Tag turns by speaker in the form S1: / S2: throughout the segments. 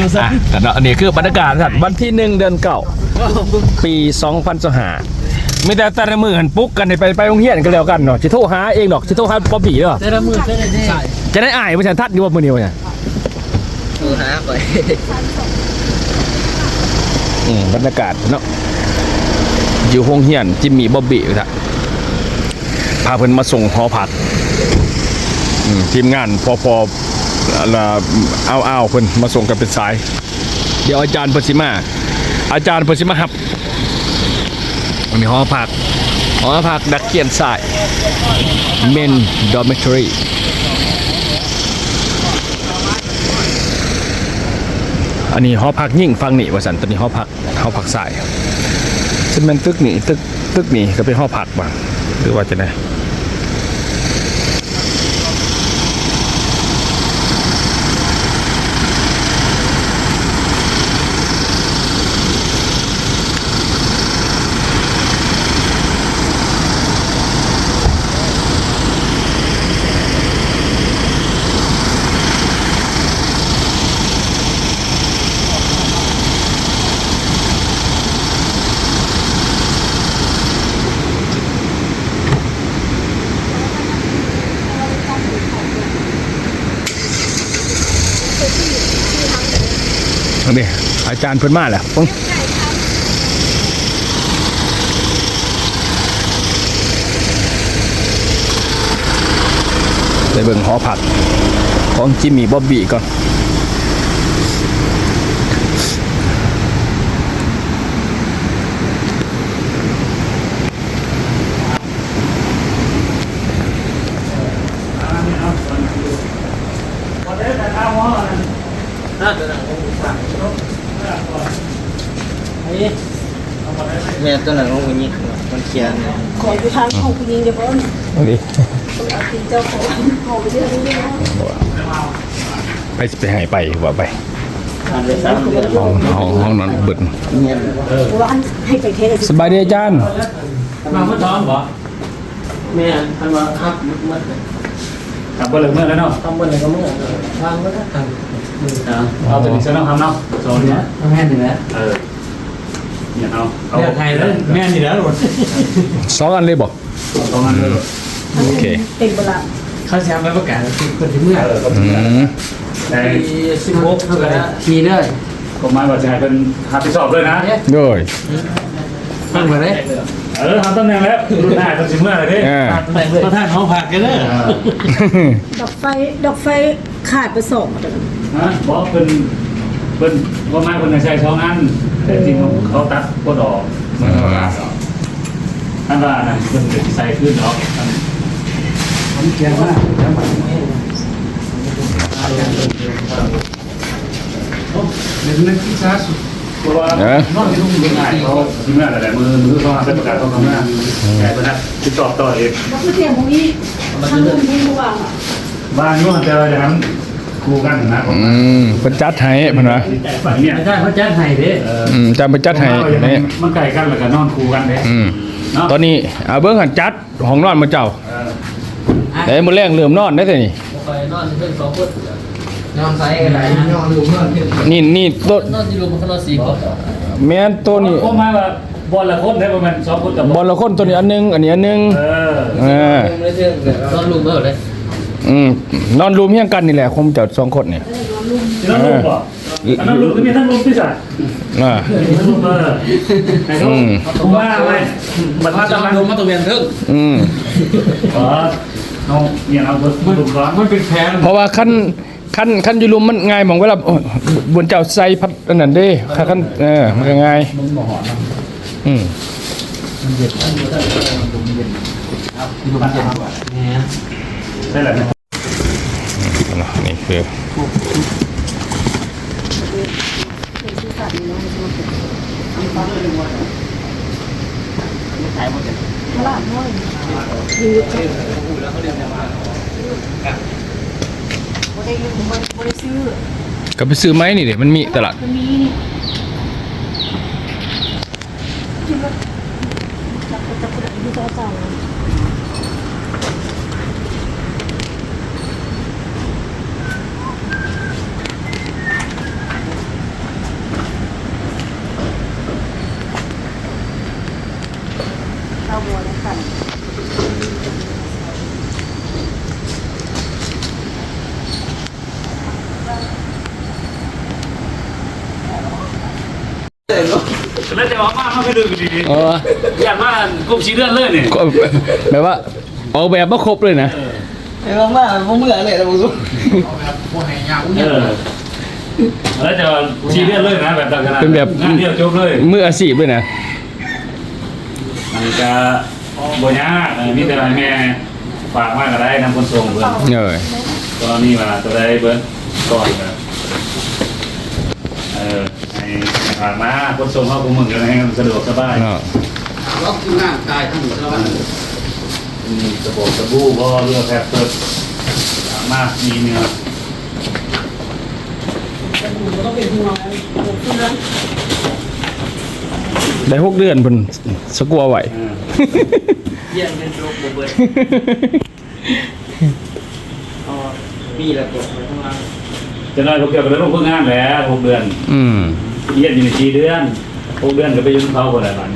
S1: แต่เนาะอันนี้คือบรรยากาศวันที่1 เดือน 9 ปี2025มีแต่ละมือหันปุ๊กกันไปโรงเรียนกันแล้วกันเนาะสิโทรหาเองดอกสิโทรหาป๊อบบี้เด้อ
S2: แต่ละมือก็ได้
S1: จะได้อ่ายบ่ฉันทัดอยู่ว่ามื้อนี้ว่าเนี่ย
S2: โทรหาไป
S1: บรรยากาศเนาะอยู่โรงเรียนจิมมี่บ๊อบบี้ครับพาเพิ่นมาส่งหอพักทีมงานพอเอาเพิ่นมาส่งกันเป็นสายเดี๋ยวอาจารย์เพิ่นสิมาครับมันมีหอพักนักเรียนสาย Men Dormitory อันนี้หอพักยิ่งฟังนี่ว่าสันตอนนี้หอพักสายซึ่งมันตึกนี่ก็เป็นหอพักบ้างหรือว่าจะไงนี่อาจารย์เพิ่นมาแล้วไปเบิ่งหอพักของจิมมี่บ๊อบบี้ก่อน
S2: แม่ตัวหนังของผู้หญิงมันเขียน
S3: ขอไปทางของผู้หญิงเดี๋ยวก่อน
S1: นี่
S3: เอาตีเจ้าของไปเรื่องนี้
S1: ไปให้ไปว่าไปห้องนอนเบิด
S3: ว่าให้ไปเทส
S1: สบายดีอาจารย์
S2: มาเมื่อตอนบ่แม่ทันว่าครับมัน
S4: ทำเบอร์เลยเมื่อแล้วเนาะ
S2: ทำบนไหนก็เมื่อทางเมื่อทาง
S4: เอาตัวนี้เส้นต้องทำเนาะโซนนี้
S2: แม่นี่แหละ
S4: เนี่ยเอา
S2: ไทยแล้วแม่นี่แหละรถ
S1: 2 อันเลยบอก
S4: ตรงนั้นเลย
S1: โอเค
S3: เต็มเวลา
S2: เขาแชร์ไปประกาศคนที่เมื่อ
S4: ใน
S2: 16เท่ากันขี่เลย
S4: กฎหมายว่าจะให้เป็นหาไปสอบเลยนะ
S1: ด้วย
S2: ตั้งมาเลย
S4: ทำตำแหน่งแล้วรุ่นหน้าต้องสิเมื่อไรดิ
S2: ประธานหอพักกันเลย
S3: ดอกไฟขาดไป2
S4: บอกเป็นว่าไม้คนในใช้ช่องอันแต่จริงเขาตัดก็ดอกมันก็ลาท่านว่านะเป็นใส่ขึ้นดอก
S2: ผมเขียนว่าเดี๋ยวนึกที่ช้าสุด
S4: เพราะว่านอกจากต้องมีงานเขาที่เมื่อไรมือเขาได้ประกาศเขาทำงานแต่เป็นนักติดต่อต่อเอง
S3: แล้วก็เสียงของนี้ทางนู้นไม่รู้ว่า
S4: บ้านนู้นจะอย่างนั้นครูกันนะ
S1: เพิ่นจัดให้เพิ่นว่า
S4: เนี่ย
S2: ใช่เพิ่นจัดให้เด้
S1: จำเพิ่นจัดให้นี่
S4: มันไกลกันแล้วก็นอนครูกันเด้
S1: ตอนนี้เบิ่งหันจัดห้องนอนมื้อเจ้าแต่มื้อแรงเริ่มนอนได้แต่นี่
S2: ไปนอนเพิ่น2คนนอนไสอะไรนอนลืมนอน
S1: นี่โต๊ะ
S2: นอนอยู่มันก็นอน4คน
S1: แม่นตัวนี้
S4: ก็มาว่าบอลละคนได้ประมาณ2 คนกั
S1: บบอลละคนตัวนี้อันนึงอันนี้อันนึง
S2: นอนลุมเท่าเลย
S1: นอนรวมเฮียงกันนี่แหละคงจะ2 คนเนี่ย
S4: นอนรวมป่ะนอนรวมก็มีทั้งรวมที่สัตว์ทั้งรวมไอ้เขาผมว่าไงมันมาตะรวมมาตะเวียนทึ่งน้องเนี่ยเอามันรวมร้อนมันเป็นแผน
S1: เพราะว่าขั้นอยู่รวมมันง่ายมองเวลาบนเจ้าใส่พัดอันนั้นเด้ขั้นมันก็ง่าย
S4: มันบ่หอน
S2: มันเย็นมันเย็นครับมันเย็นกว่าเนี่ย
S4: ได้แหละ
S1: นี่คือก็ไปซื้อไหมนี่เดี๋ยวมันมีตลาด
S4: แล้วจะออกมาเขาไปดูดี
S1: เออ
S4: อยากว่ากลุ่มชีเดือนเลยเนี่ย
S1: ก็แบบว่าออกแบบมาครบเลยนะ
S2: ไอ้มากๆผมเมื่อเลยนะผมรู้
S4: แล้วจะชีเดือนเลยนะแบบต่างกัน
S1: เป็นแบบ
S4: งานเดียวจบเลย
S1: มืออาชีพเลยนะ
S4: มันจะบ่ยากมีแต่แม่ฝากมากก็ได้นำคนส่งเพิ่น
S1: เออ
S4: ตอนนี้มาตัวได้เบิ้ลก่อนครับให้ฝากมาคนส่งเข้ากูมึงกันให้สะดวกสบาย
S1: เนาะ
S2: ล็อกที่หน้าตายทั้งหมดแล้ว
S4: มีสบู่สบู่พอเรือแพบเปิดมากมีเนื้อ
S3: ต้องเป็นห่วงเพื่อน
S1: ได้6 เดือนเพิ่นสกัวไหว
S2: เยี่ยมเป็นโรคเบิร์ดปีละตัวทั้งนั้น
S4: จะน้อยพวกเกี่ยวกับเรื่องพวกงานแล้ว6 เดือน
S1: อืม
S4: เยี่ยมอยู่ใน4 เดือน6 เดือนก็ไปยุ่งเขาคนละบ้าน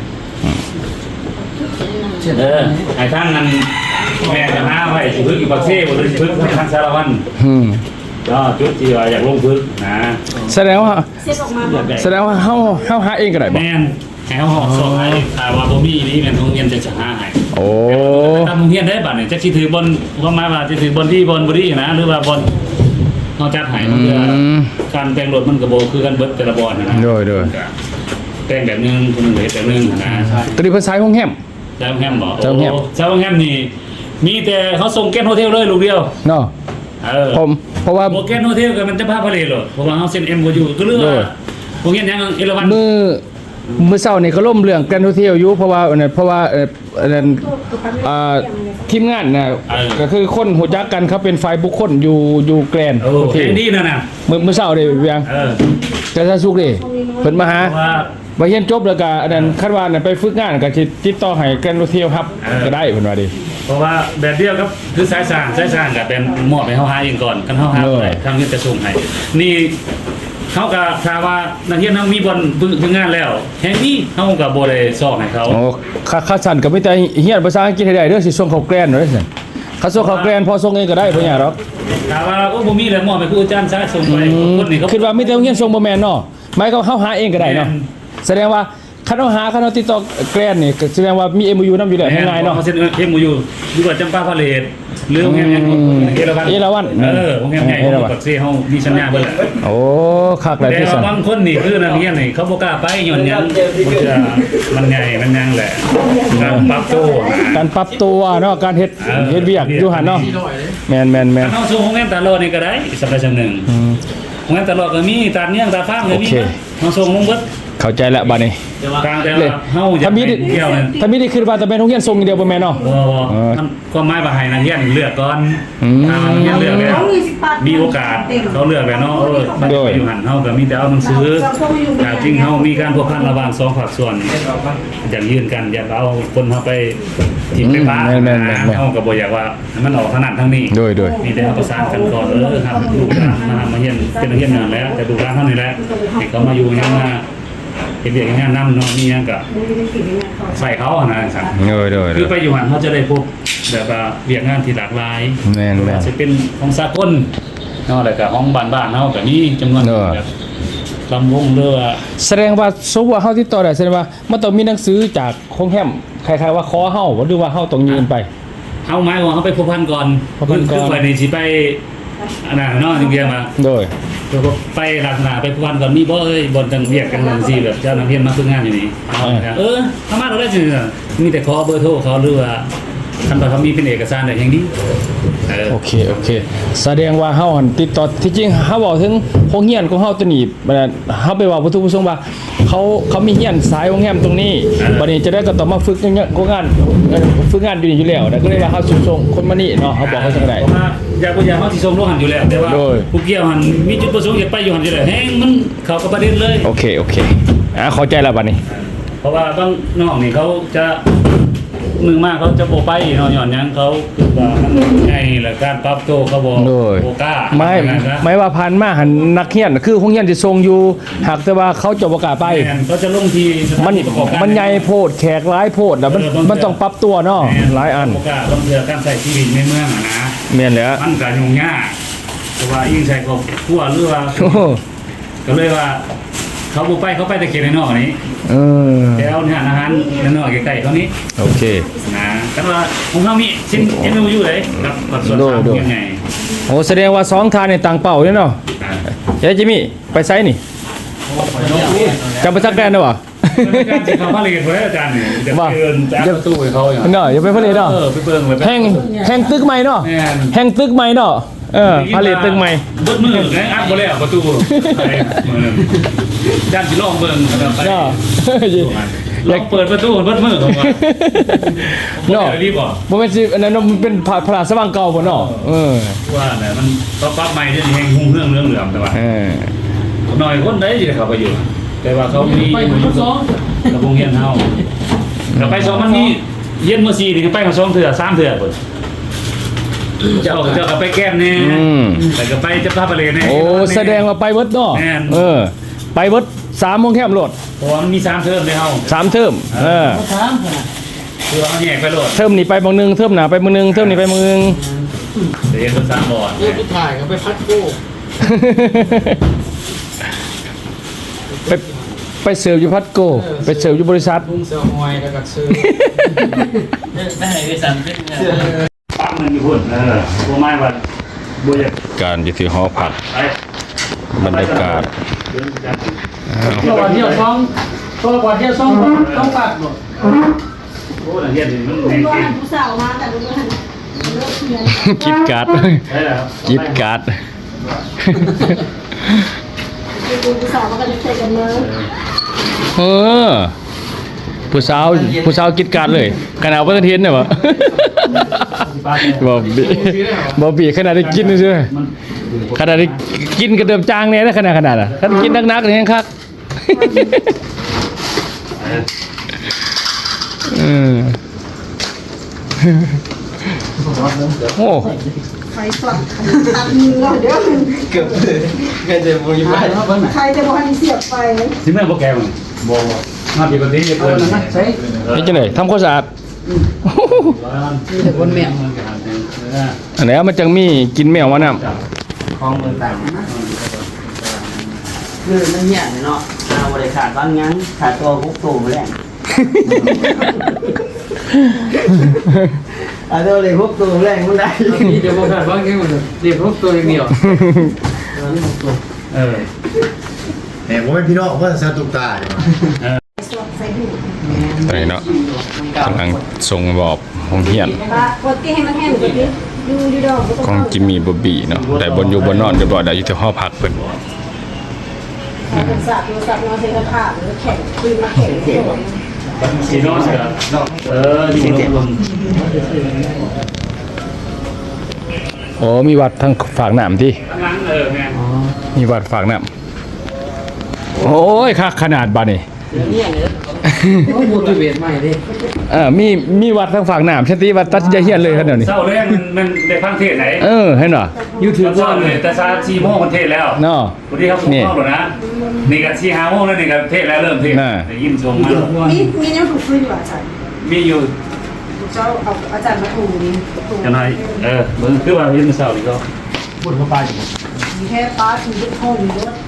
S4: ไอ้ทั้งนั้นแม่จะหาไว้สิพึกอยู่ปักเซ่บ่ได้สิพึกทางสารวัตร
S1: อืม
S4: ก็จุดที่ว่าอยากลงพึกนะ
S1: แสดงว่า
S3: เซ็ตออกมาบอก
S1: แสดงว่าเฮาหาเองก็ได้บ่
S4: แม่นให้เฮาหอกส่งให้ถ้าว่าบ่มีนี่แม่นโรงเรียนจะหาให้
S1: โอ้
S4: ตามโรงเรียนได้บัดนี่จักสิถือบนความหมายว่าจะถือบนที่บนบ่ดีนะหรือว่าบนเฮาจัดให้มันคือการแต่งรถมันก็บ่คือกันเบิดแต่ละบอนนะ
S1: โดย
S4: แต่งแบบนึงคนนึงก็เฮ็ดแบบนึงนะ
S1: ตอนนี้เพิ่นใช้ห้องแฮม
S4: เจ้าโรงแรมบ่
S1: เจ้าโรงแรม
S4: เจ้าโรงแรมนี่มีแต่เขาส่งแก๊สโฮเทลเลยลูกเดียว
S1: เนาะ ผมเพราะว่า
S4: โปรแกรมโฮเทลก็มันจะพาพาเลทหรอเพราะว่าเขาเซ็น MOU ก็เรื่องว่าพวกนี้ยังเอราวัณ
S1: มื้อเช้านี่ก็ล่มเรื่องแกรนด์โฮเทลอยู่เพราะว่าอันนั้นเพราะว่าอันนั้นทีมงานน่ะก็คือคนฮู้จักกันเขาเป็นฝ่ายบุคคลอยู่แกรนด์
S4: โอ้
S1: โฮเท
S4: แค่
S1: ล
S4: นี้นะ
S1: มื้อเช้านี่เวียง แต่ถ้าสุกดิเพิ่นมาหา
S4: เพราะว่า
S1: บ่เรียนจบแล้วก็อันนั้นคาดว่านั่นไปฝึกงานก็สิติดต่อให้แกรนด์โฮเทลครับก็ได้เพิ่นว่าดิ
S4: เพราะว่าแบบเดียวกับคือสายสร้างกับเป็นมอบให้เขาหาเองก่อนกันเขาหาไปทางนี้จะส่งให้นี่เขาก็ถามว่านักเรียนเขามีบนฝึกงานแล้วแห่งนี้เขาก็บ่ได้สอบให้เขา
S1: โอ้ค่าสั่นก็มีแต่เรียนภาษาอังกฤษให้ได้เด้อสิส่งเข้าแกรนด์เด้อซั่นถ้าส่งเข้าแกรนด์พอส่งเองก็ได้บ่ยากหรอก
S4: ถามว่าโอ้บ่มีแล้วมอบให้ครูอาจารย์ซะส่งไปคนนี้เขา
S1: คิดว่ามีแต่โรงเรียนส่งบ่แม่นเนาะหมายก็เฮาหาเองก็ได้เนาะแสดงว่าคันเฮาติดต่อแกรนด์นี่ก็แสดงว่ามี MOU นำอยู่แล้วง่ายๆเนาะ
S4: เซ็นMOU อยู่กับจำปาพาเลทหรือโรงแรมยังเอราวัณโรงแรมใหญ่ของปักเซ่เฮามีสัญญาเบิดแหละ
S1: โอ้คักหลาย
S4: แต่
S1: ที่สั่น
S4: บางคนนี่คือนักเรียนนี่เขาบ่กล้าไปย้อนหยังมันใหญ่มันยังแหละการปรับตัวนะ
S1: การปรับตัวเนาะการเฮ็ดเวียกอยู่หั่นเนาะแม่น
S4: เฮาสู่โรงแรมตาโลนี่ก็ได้สัปดาห์จังหนึ่งโรงแรมตาโลก็มีตาเนียงตาฟ้าก็มีเฮาส่งลงเบิด
S1: เข้าใจแล้วบัดนี้
S4: กลางแต่ว่าเฮาอยาก
S1: ถ้ามี
S4: เที่ยวนั่น
S1: ถ้ามีได้คิดว่าจะเป็นโรงเรียนส่งอย่างเดียวบ่แม่นเนาะ
S4: บ่ความหมายว่าให้นักเรียนเลือกก่อนถ้านักเรียนเลือกแล้วมีโอกาสเขาเลือกแล้วเนาะมันไปอยู่หั่นเฮาก็มีแต่เอาหนังสือแต่จริงเฮามีการพัวพันระหว่างสองภาคส่วนอย่างยื่นกันอยากเอาคนเฮาไปทิมไปบ้านเฮาก็บ่อยากว่ามันออกถนัดทางนี้
S1: โดย
S4: มีแต่เอาประสานกันก่อนครับลูกหลานมาเรียนเป็นนักเรียนนานแล้วแต่ลูกหลานเท่านี้แหละให้เขามาอยู่ยังมาเห็นเด็กงานนำเนาะมียังก็ใส่เขานะสั่ง
S1: โดย
S4: คือไปอยู่หันเขาจะได้พบแบบว่าเรียกงานที่หลากหลาย
S1: แม่น
S4: จะเป็นของสากลเนาะแล้วก็ของบ้านๆเฮาก็มีจำนวนแบบลำวงเรือ
S1: แสดงว่าสมมุติว่าเฮาติดต่อได้แสดงว่ามันต้องมีหนังสือจากโรงแรมคล้ายๆว่าขอเฮาหรือว่าเฮาต้องยืนไป
S4: เฮาหมายว่าเฮาไปพัวพันก่อน
S1: พัวพันก่อน
S4: คือไปนี่สิไปอันนั้นเนาะจริงๆมา
S1: โดย
S4: ไปลักษณะไปพัวพันก่อนมีบ่เอ้ยบ่จังเรียกกันจังซี่แบบเจ้านักเรียนมาฝึกงานอยู่นี่ทำมาเราได้สิมีแต่ขอเบอร์โทรเขาหรือว่าคันว่าเขามีเป็นเอกสารได้อย่างดี
S1: โอเคแสดงว่าเฮาหั่นติดต่อที่จริงเฮาเว้าถึงโรงเรียนของเฮาตัวนี้บัดนั้นเฮาไปเว้าวัตถุประสงค์ว่าเขามีเรียนสายโรงแรมตรงนี้บัดนี้จะได้ก็ต้องมาฝึกงานฝึกงานอยู่นี่อยู่แล้วแล้วก็เลยว่าเฮาสิส่งคนมานี่เนาะเฮาบอกเขาจังได๋
S4: เพราะว่าอยากบ่อยากเฮาสิส่งโลหันอยู่แล้วแต่ว่า
S1: โดย
S4: ผู้เกี่ยวหันมีจุดประสงค์อยากไปอยู่หันอยู่แล้วแฮงมันเข้ากับประเด็นเลย
S1: โอเคเข้าใจแล้วบัดนี้
S4: เพราะว่าบางน้องนี่เขาจะมือมากเขาจะโบไปเนาะหย่อนหยังเขาคือว่ามันไงแหละการปรับตัวเขาบ่
S1: โดย
S4: โบกล้า
S1: ไม่ว่าผ่านมาหันนักเรียนคือโรงเรียนสิส่งอยู่หากแต่ว่าเขาจะบ่กล้าไป
S4: แม่นเขาจะลงทีสถา
S1: มัน
S4: ที่ประกอบการ
S1: มันใหญ่โพดแขกหลายโพดแล้วมันต้องปรับตัวเนาะหลายอัน
S4: โบกล้าต้องเรือการใช้ชีวิตในเมืองอะนะ
S1: แม่นแหล้ว
S4: มันก็ยุ่งยากเพราะว่ายิ่งใช้ครอบครัวหรือว่า
S1: โอ้โห
S4: ก็เลยว่าเขาบุไปเขาไปแต่เขตในนอกนี้
S1: เออ
S4: แล้วเนี่ยอาหารในนอกใกล้ๆเขานี้
S1: โอเค
S4: นะแต่ว่าของเขามีชิ้นเอ็นอยู่เลยครับกับส่วนสามยังไง
S1: โอ้แสดงว่า2ทานในต่างเป่าเนี่ยเนาะเฮ้ยจิมมี่ไปไซนี่กลับไปซักแดนได้บ่
S4: การจิตเขาผลิตไว้อาจารย์เนี่ยจะเกินจากประตูให้เขาอย่าง
S1: เนาะอย่าไปผลิตเนาะ
S4: ไปเบิ่งเลย
S1: แห่งตึกใหม่เนาะแห่งตึกใหม่เนาะผลิตตึกใหม่
S4: เบิดมือไงอัดบ่แล้วประตูด้านสิลองเบิ่งไป
S1: เนาะ
S4: ลองเปิดประตูเบิดมือของว่า
S1: เนาะ
S4: รีบบ่
S1: บ่แม่นสิอันนั้นมันเป็นพระราชวังเก่าบ่เนาะ
S4: ว่าเนี่ยมันก็ปรับใหม่ที่แห่งหุ้งเรื่องเหลืองแต่ว่าหน่อยคนได้สิเข้าไปอยู่แต่ว่าเขามีกระพงเฮียนเฮาเราไป2มันมีเย็นมื้อ4นี่ไปมา2เทื่อ3เทื่อเพิ่นเจ้าก็ไปแก้มแน่แต่ก็ไปจะพาไปเลยแน่
S1: โอ้แสดงว่าไปเบิดเนาะไปเบิด3โมงแคมโหลด
S4: เพราะว่ามันมี3เทอมในเฮา
S1: 3เทอม
S4: คือว่ามันแยกไปโหลด
S1: เทอมนี้ไปบางนึงเทอมหน้าไปบางนึงเทอมนี้ไปบางนึง
S4: เดี๋ยวเป็น3บอร์ด
S2: เรื่องที่ถ่ายก็ไปพัดโก้
S1: ไปเสิร์ฟอยู่พัดโกไปเสิร์ฟอยู่บริษัท
S2: ลุงเสือหอยแล้วก็ซื้อ
S4: ปั๊บนึงอยู่พุ่นบ่ไม้ว่าบ่อยาก
S1: การอยู่ที่หอพัก
S4: ไป
S1: บรรยากาศ
S2: ตัวก่อนเที่ยวช่องต้องปัดหมด
S4: โอ้นักเรียนนี่มันแม่ง
S3: ว่า
S4: เก่ง
S3: ผู้สาวมาแต่รู้ว่าเลิกเรียน
S1: กิดการ์ด
S4: ได้แล้ว
S1: กิดการ์ด
S3: ผู้สาวมากันเตะกันเลย
S1: เออผู้สาวกิดการ์ดเลยขนาดว่าเทียนเนี่ยวะบอบบี้ขนาดได้กินเลยใช่ไหมขนาดได้กินกระเดิมจางเนี่ยนะขนาดอ่ะถ้ากินนักๆเนี่ยยังคักโอ้
S3: ไฟสดตัดมือเราเดี๋ยว
S2: เกือบเลยเงินจะบุญบ้าน
S3: ใครจะบอกให้เสียบไฟ
S4: สิแม่บ่แก่มันบ่มาปกติจะเกิน
S2: ใช่
S1: นี่จังไหนทำความสะอาด
S2: มีแต่คนแมว
S1: อันไหนมันจังมีกินแมววะน้ำ
S2: ของเมืองต่างนะคือมันเหี้ยเนาะเอาบริขาดบางงั้นขาดตัวพวกตูมาแล้วเอาตัวเลยพวกตูแรงมันได้เดี๋ยวบอกขาดบางงั้นมันเดี๋ยวพวกตัวอย่างเดียว
S5: แต่ผมเป็นพี่น้องเพื่อนซาตุกตาเนี่ย
S3: สดใส่หู
S1: ตอนนี้เนาะกำลังส่งบอบห้องเฮียน
S3: ปกติให้มันแห้งกว่านี้ดูดอก
S1: ของจิมมี่บอบบี้เนาะได้บนอยู่บนนอนเรียบร้อยได้อยู่ที่ห้องพักเพิ่น
S3: เป็นสัตว์ตัวสัตว์นอนเสียขาดหรือแข็งคืนมาแข็งโดน
S4: สีน้องเสืออยู่ลม
S1: โอ้มีวัดทางฝากน้ำที่
S4: ข้างหลังแม่
S1: มีวัดฝากน้ำโอ้ยคักขนาดบ้านนี่
S2: ต้องบูตุเวทใหม่ดิ
S1: มีวัดทางฝากน้ำเช่นที่วัดตัดยาเฮียนเลยครับเดี๋ยวนี้
S4: เศร้าแรงมันได้ฟังเทศไหน
S1: เห็นเหรอ
S4: ยูทูบว่าเลยแต่ซาซีโมงมันเทศแล้ว
S1: เนาะ
S4: วันนี้ครับผมเข้าหรอนะนี่กันซีฮาโมงแล้วนี่กันเทศแล้วเริ่มเทศได้ยินชมมา
S3: มีน้ำถูกฟื้นอยู่อาจารย์
S4: มีอยู่
S3: เจ้าเอาอาจารย์มาถูนี่
S4: จะไหนเบิ่งคือว่ายินเศร้าดีก็
S2: บุญเข้าไป
S3: มีแค่ป้าถือลูกพ่อมีรถ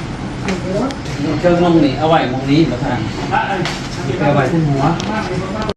S2: เครื่องมองนี่เอาไว้มองนี้มาทางเอาไว้ที่หัว